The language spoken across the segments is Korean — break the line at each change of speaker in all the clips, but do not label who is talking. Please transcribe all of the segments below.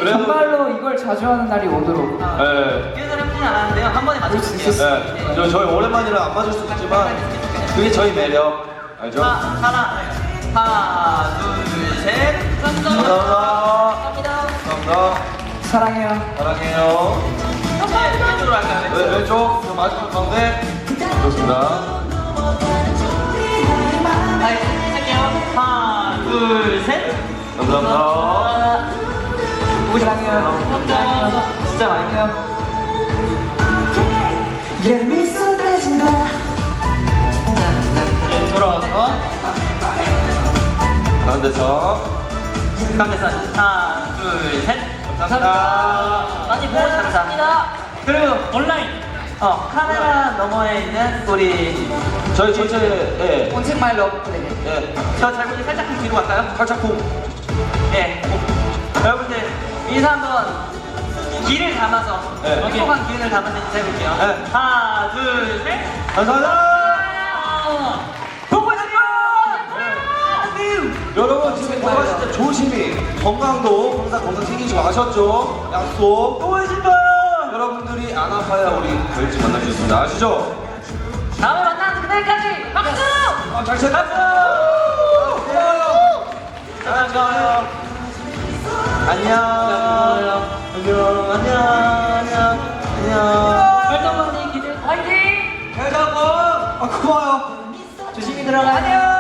정말로 이걸 자주 하는 날이 오도록.
네.
이어서 해보진 않았는데요. 한 번에 맞출 수 있어요.
네. 저희 오랜만이라 안 맞을 수도 있지만 그게 저희 매력. 알죠?
하나, 둘, 셋.
감사합니다.
감사합니다.
감사합니다.
사랑해요.
사랑해요.
네, 왼쪽으로 할까요?
왼쪽, 마지막 가운데. 좋습니다.
할게요. 하나, 둘, 셋.
감사합니다.
사랑해요.
감사합니다.
진짜 많이 해요.
예미 쏟아진다.
네, 돌아와서
가운데서.
가운데서 하나, 둘, 셋.
감사합니다.
많이 보고 싶 감사합니다. 그리고 온라인 카메라 너머에 있는 우리
저희 전체, 예.
온책 마이 러브 플레이.
예.
저 잘못이 살짝 좀 뒤로 갈까요?
살짝 쿵.
예. 여러분들 인사 한번 기를 담아서
네.
행복한 기운을 담아서 인사해볼게요.
네.
하나, 둘, 셋.
감사합니다.
보고 싶어!
여러분 지금 건강하실 때 조심히 건강도 항상 건강 챙기시고 아셨죠? 약속.
보고 싶어요!
여러분들이 안 아파야 우리 별지 만날 수 있습니다. 아시죠?
다음에 만나는 그날까지 박수!
잘 챙겼어요. 고마워요. 안녕. 안녕. 안녕. 안녕. 안녕.
활동만이 기대 화이팅!
잘 자고. 아 고마워요.
조심히 들어가. 안녕!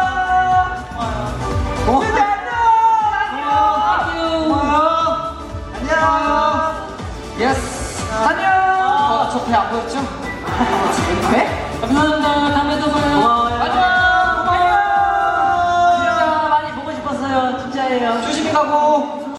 예스. 안녕. 저 배 안 보였죠? 배?
감사합니다. 다음에 또 봐요. 고마워요.
안녕. 고마워요.
진짜 많이 보고 싶었어요. 진짜예요.
조심히 가고.